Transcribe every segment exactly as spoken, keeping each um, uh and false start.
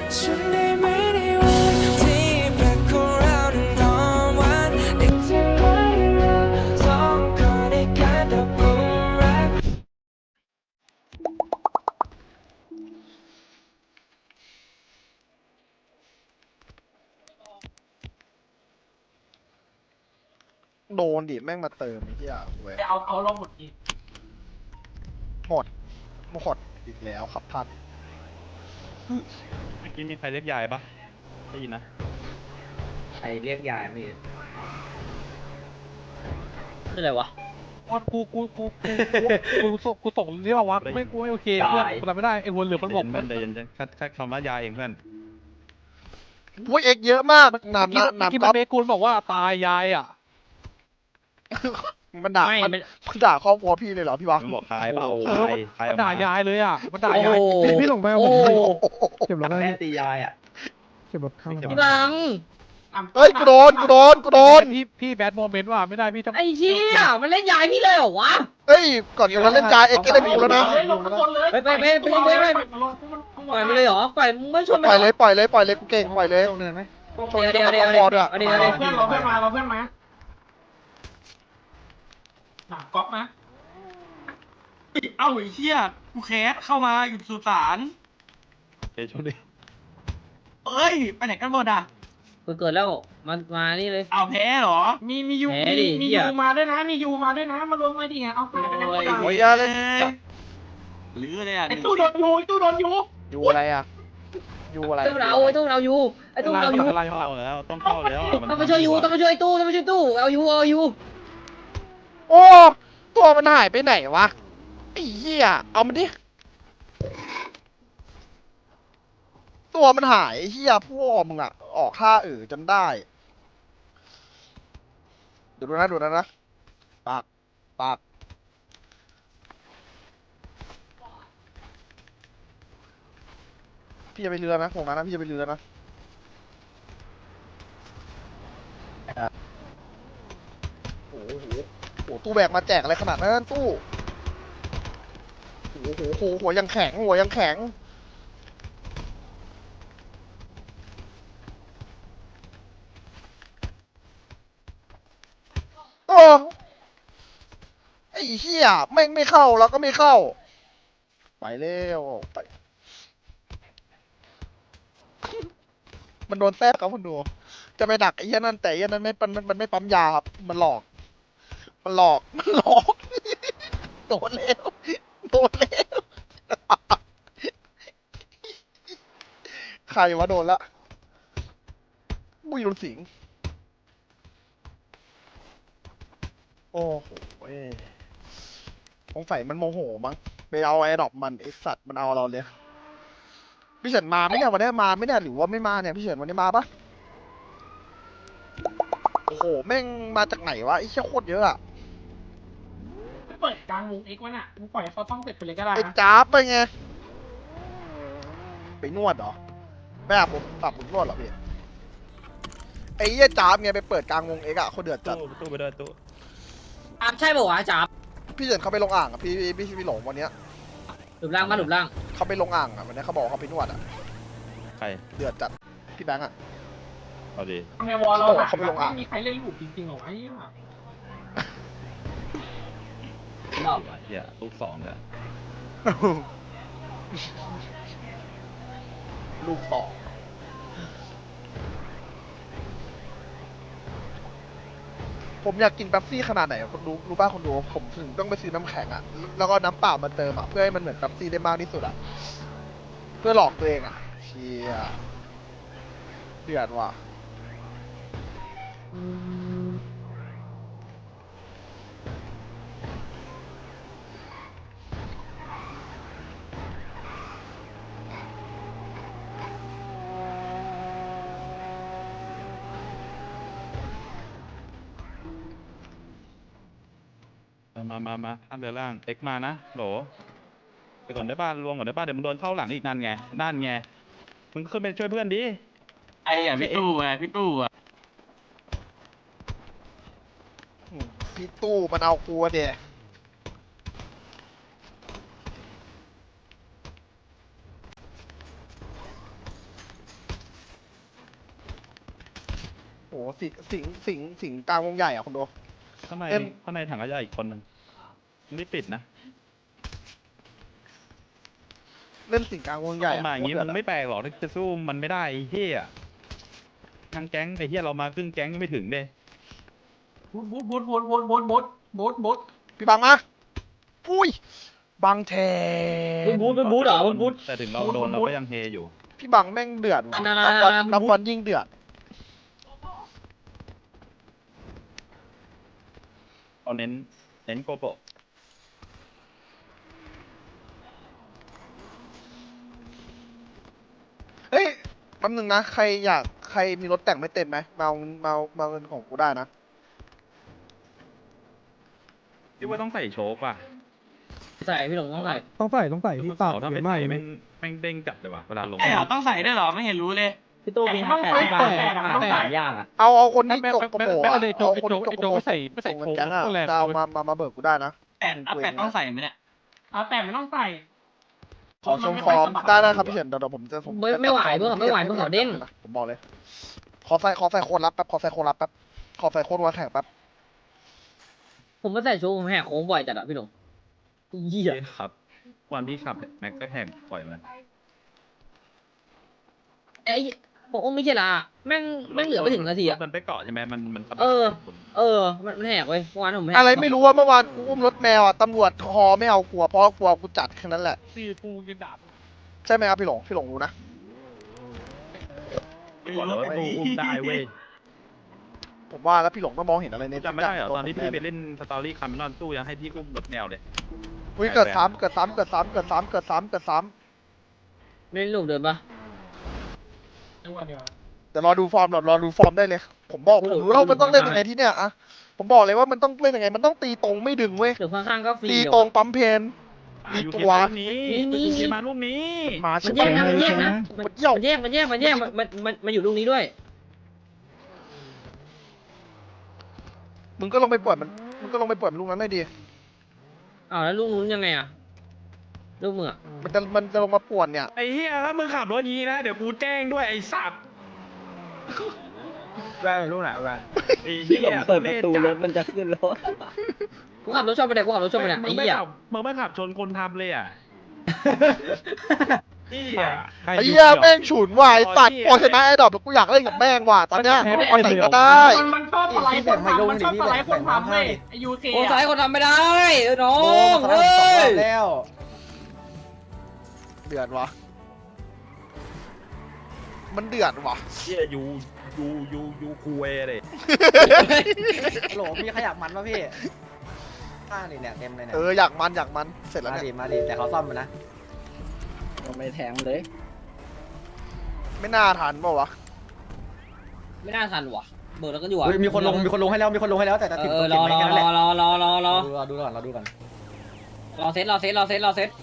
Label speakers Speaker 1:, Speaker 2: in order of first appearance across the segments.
Speaker 1: ฉันได้ไหมในวันที่แปลกของเรานั้นหอมหวานได้ที่ไหมเราสองคนได้การตกหลุมรัก
Speaker 2: โดนดิแม่งมาเติมไอ้เหี้ยเว้ย
Speaker 3: ไปเอาเขาลงหมดอีก
Speaker 2: หมดหมดอีกแล้วครับท่าน
Speaker 4: เมื่อกี้มีใครเรียกยายปะได้ยินนะ
Speaker 5: ใครเรียกยายไม่รู้
Speaker 6: คืออะไรวะ
Speaker 3: วันกูกูกูกูกูส่งกูส่งที่ว่าวะไม่กูไม่โอเคเพื่อนกูทำไม่ได้ไอ้หัวเหลืองมันบอก
Speaker 4: เพื่อนเดี๋ยวเย็นๆแค่แค่คำว่ายายเองเพื่อน
Speaker 2: วุ้ยเอ็กเยอะมาก
Speaker 3: เมื่อ
Speaker 2: น้ำ
Speaker 3: กี้
Speaker 2: น้ำ
Speaker 3: เมื่อกี้
Speaker 2: น้ำ
Speaker 3: มั
Speaker 2: ก๊
Speaker 3: น
Speaker 2: อฟ
Speaker 3: เมกูลบอกว่าตายยายอ่ะ
Speaker 2: มันด่า
Speaker 6: ไม่
Speaker 2: มัน
Speaker 6: ไม่
Speaker 2: มันด่าครอบครัวพี่เลยเหรอพี่วะ
Speaker 4: มันบอกคายเปล่า
Speaker 3: เออ
Speaker 4: คายคายอ
Speaker 3: มั
Speaker 4: อน ก
Speaker 3: ด่า
Speaker 4: มา
Speaker 3: ยายเลยอ่ะมันด่า
Speaker 6: โอ้
Speaker 3: ยาย
Speaker 6: โห
Speaker 3: พี่ส่งไป
Speaker 6: โอ้
Speaker 3: ผม
Speaker 6: โห
Speaker 3: เก็บรถ
Speaker 5: แม่
Speaker 3: ได้
Speaker 5: ตียายอ่ะ
Speaker 3: เก็บรถข้าง
Speaker 6: พี่บัง
Speaker 2: เฮ้ยกูโดนกูโดนกูโดน
Speaker 3: พี่พี่แบดโมเมนต์ว่ะไม่ได้พี่ต้อง
Speaker 6: ไอ้เหี้ยมันเล่นยายพี่เลยเหรอวะ
Speaker 2: เฮ้ยก่อนจะเล่นจาเอ็กก็ได้กูแล้วนะ
Speaker 6: ไปไปไปไปไปไปปล่อยมันเลยเหรอปล่อยมึงไม่ชนมัน
Speaker 2: ปล่อยเลยปล่อยเลยปล่อยเลยกูเก่งปล่อยเลย
Speaker 5: ตรงเนินไหม
Speaker 2: ชน
Speaker 6: เดี๋ยว
Speaker 2: กั
Speaker 6: เดี๋ยว
Speaker 2: บ
Speaker 6: เดี๋ยว
Speaker 2: คอด้วย
Speaker 6: เอาเดี๋ยวเอาเดี๋ยว
Speaker 3: เพื่อนเราเพื่อนมาเราเพื่อนมาหนักก๊อกนะ
Speaker 7: เอ้าไอ้เหี้ยกูแคสเข้ามาอยู่สุสาน
Speaker 4: เดี๋ยวช่วงนี้
Speaker 7: เอ้ย ไปไหนกันหมดอ่ะ
Speaker 6: กูเกิดแล้วมันมานี่เลย
Speaker 7: เอาแพ้เหรอ
Speaker 3: มีมียู
Speaker 6: แหม
Speaker 3: มี
Speaker 6: ดิ
Speaker 3: มี
Speaker 6: เหี้ย
Speaker 3: ยูมาด้วยนะมียูมาด้วยนะมารวมไว้ดิไงเอาไป
Speaker 7: โอ้ย
Speaker 2: โอ้ยอะไร
Speaker 7: หรือเลยอ่ะ
Speaker 3: ไอ้ตู้โดนยูไอ้ตู้โดนยู
Speaker 2: อยู่อะไรอ่ะอยู่อะไร
Speaker 6: ตู้เราไอ้ตู้เราอยู่ไอ้ตู้เราอยู่
Speaker 3: อะไร
Speaker 4: เข้าแล้วต้องเข้าแล้วมัน
Speaker 6: ต้องไปช่วยยูต้องไปช่วยตู้ต้องไปช่วยตู้เอายูเอายู
Speaker 2: โอ้ตัวมันหายไปไหนวะไอ้เหี้ยเอามันดิตัวมันหายไอ้เหี้ยพวกมึงอ่ะออกค่าเออจนได้ดูดูนะดูนะนะปากปากพี่จะไปเรือนะผมนะนะพี่จะไปเรือนะโอ้โหโอ้โหตู้แบกมาแจกอะไรขนาดนั้นตู้โอ้โหโหหัวยังแข็งหัวยังแข็งโอ้ไอ้เหี้ยแม่งไม่เข้าแล้วก็ไม่เข้า ไปเร็วไป มันโดนแทรกครับคุณดู จะไปดักไอ้เหี้ยนั่นแต่ไอ้เหี้ยนั่นไม่มันมันไม่ปั๊มยาครับ มันหลอก มันหลอก มันหลอก โดนแล้ว โดนแล้ว ใครวะโดนละบุยรุนสิงห์โอ้โหเว้ยสงสัยมันโมโหมั้ง ไปเอาไอ้ดอกมันไอ้สัตว์มันเอาเราเลย พี่เฉินมาไหมเนี่ยวันนี้มาไหมเนี่ยหรือว่าไม่มาเนี่ยพี่เฉินวันนี้มาปะโอ้โหแม่งมาจากไหนวะไอ้เชี่ยโคตรเยอะอะ
Speaker 3: เปิดกลางวงเอ็กซ์วะน่ะมึงปล่อยให้เขาต้องเสร็จไปเลยก็ได้
Speaker 2: ไอ้
Speaker 3: นะ
Speaker 2: จ้าบไปไงไปนวดเหรอไม่อาบผมอาบผมนวดเหรอพี่ไอ้เหี้ยจ้าบไงไปเปิดกลางวงเอ็กซ์อะเขาเดือดจัด
Speaker 4: ตู้ตู้ไปด้วยตู้
Speaker 6: อ่ะใช่ป่าวะจ๋า
Speaker 2: พี่เฉินเขาไปลงอ่างอะพี่พี่พี่พี่หลงวันเนี้ย
Speaker 6: หลุมล่างมาหลุมล่าง
Speaker 2: เขาไปลงอ่างอะวันนี้เขาบอกว่าเขาไปนวดอะ
Speaker 4: ใคร
Speaker 2: เดือดจัดพี่แบงค์อะ
Speaker 4: เอาดี
Speaker 3: ในวอลเรา
Speaker 2: โอ้
Speaker 3: หนัก
Speaker 2: เขาไปลงอ่ะ
Speaker 3: ไม่มีใครเล่นลูกจริงๆหรอไอ้เหี้ย
Speaker 4: เฮียลูกสองเนี่ย
Speaker 2: ลูกต่อผมอยากกินเป๊ปซี่ขนาดไหนอะคนดูรู้ป่ะคนดูผมถึงต้องไปซื้อน้ำแข็งอะแล้วก็น้ำเปล่ามาเติมอะเพื่อให้มันเหมือนเป๊ปซี่ได้มากที่สุดอะเพื่อหลอกตัวเองอะเชียเดือดว่ะ
Speaker 4: มามามาท่านเรือล่างเอ็กมานะโหลไปก่อนได้ป่ะรวมก่อนได้ป่ะเดี๋ยวมึงโดนเข้าหลังอีกนั่นไงนั่นไงมึงขึ้นไปช่วยเพื่อนดิ
Speaker 7: ไอ้อ่ะพี่ตู้ไงพี่ตู้อ่ะ
Speaker 2: อืมพี่ตู้มันเอากูอะเดียสิงสิงสิงสิงกลางวงใหญ่อ่ะคุณดู
Speaker 4: ข้างใน
Speaker 2: เอ็ม
Speaker 4: ข้างในถังขยะอีกคนหนึ่งไม่ปิดนะ
Speaker 2: เล่นสิงกลางวงใหญ่
Speaker 4: เข้ามาอย่างงี้
Speaker 2: โคต
Speaker 4: มึ
Speaker 2: ร
Speaker 4: ง
Speaker 2: เดือด
Speaker 4: ไม่แปลกหรอกที่จะสู้มันไม่ได้ไอ้เฮียทั้งแก๊งไอ้เฮียเรามาครึ่งแก๊งก็ไม่ถึงเด้
Speaker 7: บูดบูดบูดบูดบูดบูดบูดบูดบูด
Speaker 2: พี่บังมาอุ้ยบังแท
Speaker 6: บู
Speaker 2: น
Speaker 6: ทบูทบูทบูทเหรอบูทบูท
Speaker 4: แต่ถึงเราโดนเราก็ยังเฮอยู่
Speaker 2: พี่บังแม่งเดือดว่ะ
Speaker 6: นั่น
Speaker 2: นับ
Speaker 6: ๆๆ
Speaker 2: วัน
Speaker 6: ๆ
Speaker 2: นับวันยิ่งเดือด
Speaker 4: เอาเน้นเน้นโกโปะ
Speaker 2: เฮ้ยแป๊บนึงนะใครอยากใครมีรถแต่งไม่เต็มไหมมาเอามาเอามาเอาเงินของกูได้นะ
Speaker 4: ที่ว่าต้องใส่โชกป่ะ
Speaker 6: ใส่พี่หลงต้องใส่
Speaker 3: ต้องใส่ต้องใส่พี่ปาก
Speaker 4: ถ้า
Speaker 3: เย
Speaker 4: ไม่
Speaker 3: อะมา
Speaker 4: ใส่
Speaker 3: ก
Speaker 4: แม่งแม่งเด้งจับเลยว่ะเวลาลง
Speaker 7: ไอ้เหรอต้องใส่ด้วยเหรอไม่เห็นรู้เลย
Speaker 6: พี่ตู้มีห้าแปดที่บ้านสามอย่างอ่ะ
Speaker 2: เอาเอาคน
Speaker 3: ไม่
Speaker 2: ที่
Speaker 3: ไม่
Speaker 2: จก
Speaker 3: ไม่
Speaker 2: กระ
Speaker 3: ไม่
Speaker 2: โปรง
Speaker 3: ไม่
Speaker 2: อะ
Speaker 3: เลยโจ
Speaker 2: เอา
Speaker 3: ไอ
Speaker 2: คน
Speaker 3: โจ
Speaker 2: ที่จ
Speaker 3: ไอก
Speaker 2: ก
Speaker 3: โจ
Speaker 2: ระโปรง
Speaker 3: ไม่ใส่ไม่ใส่
Speaker 2: ส่งเงิ
Speaker 3: โช
Speaker 2: น
Speaker 3: ว์
Speaker 2: แก๊งอะ
Speaker 3: ก็แรง
Speaker 2: จะเอามามามาเบิกกูได้นะ
Speaker 7: แปดเอาแปดต้องใส่ไหมเนี่ยเอาแปดไม่ต้องใส่
Speaker 2: ขอชมฟอร์มได้ได้ครับพี่เฉินเดี๋ยวเดี๋ยวผมจะผม
Speaker 6: ไม่ไม่ไหวเพื่อนไม่ไหวเพื่อนเขาเด้ง
Speaker 2: ผมบอกเลย ขอใส่ขอใส่โคนรับแป๊บขอใส่โคนรับแป๊บขอใส่โคนวันแข่งแป๊บ
Speaker 6: ผมไม่ใส่ชูผมแหกโค้งบ่อยจัดอ่ะพี่หลงเหี้ย
Speaker 4: ครับวันที่ขับแม็กก็แหกปล่อยมัน
Speaker 6: ไอ้ผมไม่ใช่ละแม่งแม่งเหลือไม่ถึงนาทีอ่ะ
Speaker 4: มันไปเกาะใช่ไหมมันมัน
Speaker 6: เออ เออมันมันแหกเว้ยเมื่อวานผมแหก
Speaker 2: อะไรไม่รู้ว่าเมื่อวานกูอุ้มรถแมวอ่ะตำรวจคอไม่เอากลัวเพราะกลัวกูจัดแค่นั้นแหละ
Speaker 3: ตีกูยืนดาบ
Speaker 2: ใช่ไหมครับพี่หลงพี่หลงรู้นะ
Speaker 4: บอกเลยว่ากูอุ้มได้เว้ย
Speaker 2: ผมว่าแล้วพี่หลงต้องมองเห็นอะไรใน
Speaker 4: จำไม่ได้เหรอตอนที่พี่ไปเล่นสตอรี่คาร์เมลอนตู้ยังให้พี่อุ้มรถแนวเลย
Speaker 2: อุ้ยเกิดซ้ำเกิดซ้ำเกิดซ้ำเกิดซ้ำเกิดซ้ำเกิดซ้
Speaker 6: ไม่ลูกเดินปะ
Speaker 3: ทุกวันเดียว
Speaker 2: ำเดี๋ยวรอดูฟอร์มรอรอดูฟอร์มได้เลย ผมบอกผมรู้แล้วมันต้องเล่นยังไงที่เนี่ยอะผมบอกเลยว่ามันต้องเล่นยังไงมันต้องตีตรงไม่ดึงเว้ย
Speaker 6: หรือข้างๆก็ฟรี
Speaker 2: ตี
Speaker 6: เดี๋ยว
Speaker 2: ตรงปั๊มเพน มี
Speaker 4: อยู่
Speaker 2: ตัว
Speaker 4: เกมนี้
Speaker 6: นี่
Speaker 4: อยู่เกมมาลูกนี้
Speaker 2: มา
Speaker 6: มั
Speaker 2: ใช่
Speaker 6: น
Speaker 2: ไห
Speaker 6: แยกนะ
Speaker 2: ม
Speaker 6: มันแยกนะมัน
Speaker 2: มันเยี่ยว
Speaker 6: มันแยกมันแยกมันแยกมันมันมันมันอยู่ลูกนี้ด้วย
Speaker 2: มึงก็ลงไปปล่อยมันมึงก็ลงไปปล่อยมันลูกนั้นได้ดี
Speaker 6: อ้าวแล้วลูกนู้นยังไงอ่ะลูกมืออะ
Speaker 2: มันจะมันจะลงมาป่วนเนี่ย
Speaker 4: ไอ้เหี้ยถ้ามึงขับรถนี้นะ เดี๋ยวกูแจ้งด้วยไอ้สัตว์
Speaker 5: แว่นลูกไหนแว่น
Speaker 4: ไอ้เหี้ย
Speaker 5: เปิดประตูรถมันจะขึ้นรถ
Speaker 6: กูขับรถชอบไปไหนกูขับรถชอบไปไหน
Speaker 4: มึ
Speaker 6: ไอ้
Speaker 4: งไม่
Speaker 6: เหี้ย
Speaker 4: ขับมึงไม่ขับชนคนทำเลยอ่ะเหี้ย
Speaker 2: ไอ้เหี้ยแม่งฉุนว่ะไอ้สัตว์พอชนะไอ้ดอกแล้วกูอยากเล่นกับแม่งว่ะตอนเนี้ยปล่อยไหนก็ได้
Speaker 7: มันมันชอบสไลด์คนทำมันชอบสไลด์คนทำเว้ยไอยูเค
Speaker 6: โอ้สายคนทำไม่ได้เออน้อ
Speaker 5: โอ้
Speaker 6: ง
Speaker 5: มา
Speaker 6: เฮ้
Speaker 5: สองร
Speaker 6: ย
Speaker 5: อบแล้ว
Speaker 2: เดือดวะมันเดือดวะ
Speaker 4: เหี้ยยูยูยูยูคูเอเลย
Speaker 5: ฮัลโหลมีขยับมันป่ะพี่ข้างนี่เนี่ยเต็มเลยเนี่ย
Speaker 2: เอออยากมันอยากมันเสร็จแล้ว
Speaker 5: มา
Speaker 2: เนี่
Speaker 5: ดิ
Speaker 2: ย
Speaker 5: มาดิแต่เขาซ่อมมันนะ
Speaker 6: ไม่แทงเลย
Speaker 2: ไม่น่าทันเปล่าวะ
Speaker 6: ไม่น่าทันว่ะเบิร์ดแล้วก็อยู่อ่ะ
Speaker 5: เฮ้ยมีคนลงมีคนลงให้แล้วมีคนลงให้แล้วแต่จะ
Speaker 6: เอ
Speaker 5: ถึง
Speaker 6: อ
Speaker 5: ตัว
Speaker 6: ร
Speaker 5: เก็
Speaker 6: อบ
Speaker 5: ไหม
Speaker 6: รอ
Speaker 5: แค่นั้น
Speaker 6: ร
Speaker 5: แห
Speaker 6: อ
Speaker 5: ละ
Speaker 6: รอรอรอรอ
Speaker 5: รอดูก่อนรอดูก่อน
Speaker 6: รอเซตรอเซตรอเซตรอเซต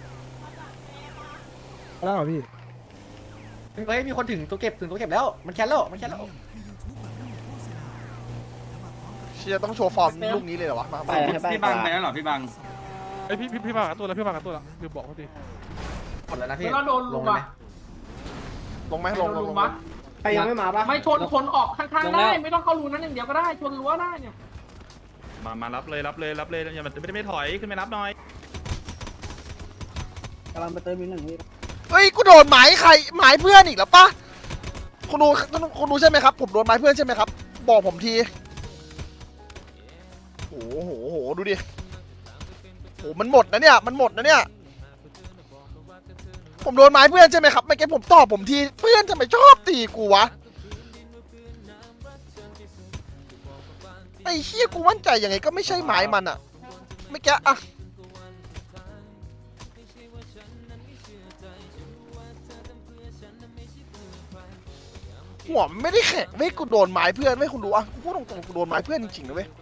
Speaker 3: แล้วเหรอพี่
Speaker 5: เฮ้ยมีคนถึงตัวเก็บถึงตัวเก็บแล้วมันแคนแล้วมันแคนแล้ว
Speaker 2: เชียร์ต้องโชว์ฟอร์มลูกนี้เลยเหรอวะมามา
Speaker 7: พี่บังไปแล้วเหรอพี่บัง
Speaker 3: ไอยพี่พี่พี่มากับตัวแล้วพี่มากับตัวแล้วลืมบอกเขาดิ
Speaker 5: หมดแล้วนะพี่
Speaker 7: แล้วโดน
Speaker 5: ล
Speaker 7: ลุ
Speaker 5: ง
Speaker 7: ง
Speaker 5: เลยไหม
Speaker 7: อ่ะ
Speaker 2: ลงไหมลงลงลง
Speaker 7: วะ
Speaker 5: ใครยังไม่มาปะ
Speaker 7: ไม่ชนคนออกข้างๆได้ไม่ต้องเข้ารูนั้นอย่างเดียวก็ได้ชนรั้วได้เนี่ย
Speaker 4: มามารับเลยรับเลยรับเลยอย่ามันไม่ได้ไม่ถอยขึ้นไปรับหน่อย
Speaker 5: กำลังไปเติมอีกหนึ่งพี่
Speaker 2: เฮ้ยกูโดนหมายใครหมายเพื่อนอีกแล้วปะคุณดูคุณดูใช่ไหมครับผมโดนหมายเพื่อนใช่ไหมครับบอกผมทีโอ้โหโหดูดิโอ้มันหมดนะเนี่ยมันหมดนะเนี่ยผมโดนไม้เพื่อนใช่ไหมครับไม่แกผมตอบผมทีเพื่อนทำไมชอบตีกูวะไอ้เชี่ยกูมั่นใจยังไงก็ไม่ใช่ไม้มันอะไม่แกอะหัวมันไม่ได้แข็งไม่กูโดนไม้เพื่อนไม่คุณดูอะกูพูดตรงๆกูโดนไม้เพื่อนจริงๆนะเว้ย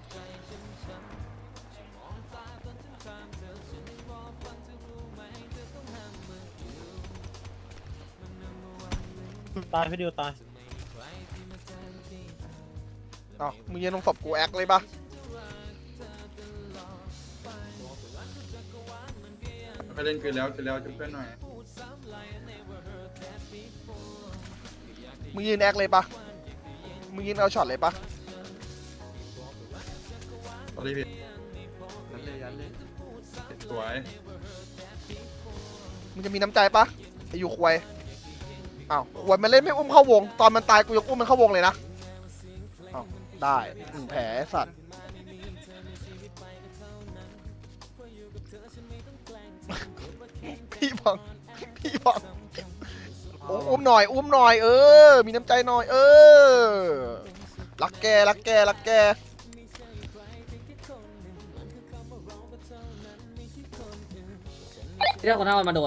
Speaker 5: ตายพี่ดิวตาย
Speaker 2: เอ้ามึงยังลงศพกูแอคเลยปะไปเล่นคืนแล้วคืนแล้วจุ๊บเพื่อนหน่อยมึงยืนแอคเลยปะมึงยิงเอาช็อตเลยปะ
Speaker 4: ตอนนี้พี่สวย
Speaker 2: มึงจะมีน้ำใจปะไอ้อยู่ควยอ้าวควยมันเล่นไม่อุ้มเข้าวง ตอนมันตายกูยังอุ้มมันเข้าวงเลยนะอ้าวได้หนึ่งแผลไอ้สัตว์ พี่บังพี่บังอุ้มอุ้มหน่อย อุ้มหน่อย เออ มีน้ำใจหน่อย เออ รักแก รักแก รักแก
Speaker 6: ที่เราคนเท่ามันมาโดน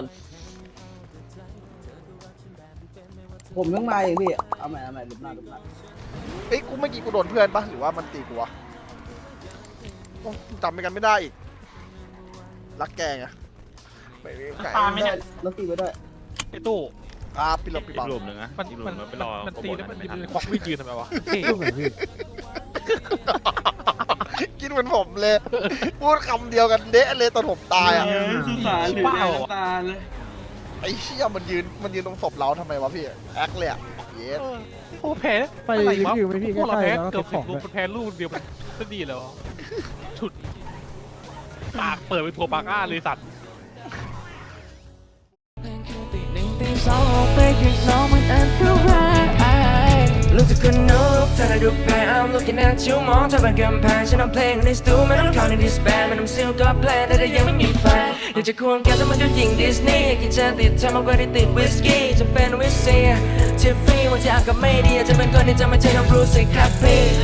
Speaker 5: ผมต้องมาเองพี่ เอาใหม่เอาใหม่ลุกหน้าลุกหน้า
Speaker 2: เอ้ยกูเมื่อกี้กูโดนเพื่อนปะหรือว่ามันตีกูวะโอ้จำไปกันไม่ได้อีก รักแกไงไม่ไม่ไก่
Speaker 7: ตามไม่ได้
Speaker 5: รถตีไว้ด้วย
Speaker 3: ไอ้ตู้
Speaker 2: อ่าปิดหลบปิด
Speaker 4: อี
Speaker 2: บั
Speaker 4: ก
Speaker 2: ง
Speaker 4: รูปหนึ่งนะ
Speaker 3: มัน
Speaker 4: อีกรูป
Speaker 3: มัน
Speaker 4: หนึ่งไปรอ
Speaker 3: มัน
Speaker 4: โปร
Speaker 3: ตี
Speaker 4: โมท
Speaker 3: แล้วมัน
Speaker 4: ไม่
Speaker 3: ยื
Speaker 4: ทัน
Speaker 3: นควักมีดยืนทำไมวะเท่
Speaker 2: กินเหมือนผมเลย พูดคำเดียวกันเดะเลยตอนผมตายอ่ะ
Speaker 7: เออสุสานหรือแดงตาเลย
Speaker 2: ไอ้เชี่ยมันยืนมันยืนตรงศพเราทำไมวะพี่แอคเลยอ่ะเยส
Speaker 3: เออโอ้แพ้
Speaker 8: ไป
Speaker 3: อะไรวะ
Speaker 8: รีวิวไหมพี่
Speaker 3: พวกเรา
Speaker 8: ใกล้
Speaker 3: แพ้
Speaker 8: ๆแล้ว
Speaker 3: เกือบ
Speaker 8: เก็บ
Speaker 3: สิ
Speaker 8: ของ
Speaker 3: บลูก
Speaker 8: ด้วย
Speaker 3: มันแพ้ลูกเดียวมันก็ดีแล้วอะฉุดปากเปิดเป็นทัวร์ปากอ้าเลยสัตว์
Speaker 1: หนึ่งตีสองออกไปข้างนอกมันอันตรายรู้สึกคนนกถ้าได้ดูแพ้ I'm looking at you มองเธอเป็นกำแพงฉันเอาเพลงในสตูไม่ต้องเข้าในดิสแบนมันทำซิลก็แพลนแต่ถ้ายังไม่มีแฟนอยากจะควงแกแต่มันก็ยิงดิสนีย์กินจะติดเธอมากกว่าที่ติดวิสกี้จะเป็นวิสเซียทิฟฟี่วันที่อากาศไม่ดีอาจจะเป็นคนที่จะไม่ใช่น้องบรูซี่ครับพี่